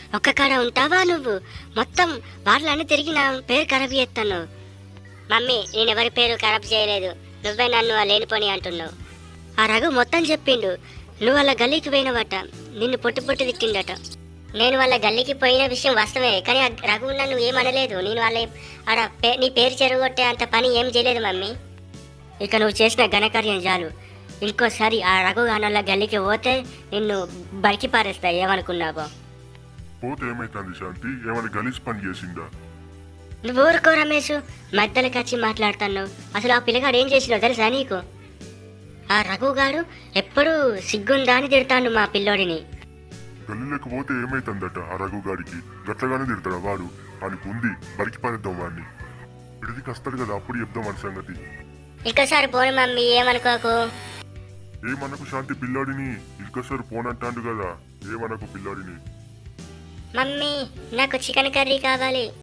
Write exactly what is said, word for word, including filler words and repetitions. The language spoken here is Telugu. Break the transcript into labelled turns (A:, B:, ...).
A: ఒక్క కాడ ఉంటావా నువ్వు? మొత్తం వాళ్ళని తిరిగి నా పేరు ఖరాబ్ చేస్తాను. మమ్మీ, నేను ఎవరి పేరు ఖరాబ్ చేయలేదు, నువ్వే నన్ను ఆ లేనిపోని అంటున్నావు. ఆ రఘు మొత్తం చెప్పిండు. నువ్వు వాళ్ళ గల్లీకి పోయినవట, నిన్ను పొట్టు పొట్టు తిట్టిండట. నేను వాళ్ళ గల్లీకి పోయిన విషయం వాస్తవే, కానీ ఆ రఘు నన్ను ఏమనలేదు. నేను వాళ్ళ ఆడ పే నీ పేరు చెరగొట్టే అంత పని ఏం చేయలేదు మమ్మీ. ఇక నువ్వు చేసిన ఘనకార్యం చాలు. ఇంకోసారి ఆ రఘు గానల్ల గల్లీకి పోతే నిన్ను బరికి పారేస్తా. ఏమనుకున్నావో?
B: పోతే ఏమైతుంది శాంతి? ఏమైనా గలీజ్ పని చేసిందా?
A: నువ్వు ఊరుకో రమేష్, మధ్యలోకి వచ్చి మాట్లాడుతాను. అసలు ఆ పిల్లగాడు ఏం చేసినావు తెలుసా నీకు? ఆ రఘుగాడు ఎప్పుడూ సిగ్గుందా అని తిడతాడు మా పిల్లోడిని.
B: గల్లీలోకి పోతే ఏమైతుందట ఆ రఘుగాడికి? గట్లగానే తిడతాడా వాడు? వానికి ఉంది, బరికి పారేద్దాం వాడిని. ఇడికి వస్తాడు కదా, అప్పుడు చెప్దాం వాడి సంగతి.
A: ఇంకోసారి పోను మమ్మీ, ఏమనుకోకు.
B: ఏమనకు శాంతి పిల్లాడిని, ఇంకోసారి పోనంటాడు కదా, ఏమనకు పిల్లాడిని.
A: మమ్మీ, నాకు చికెన్ కర్రీ కావాలి.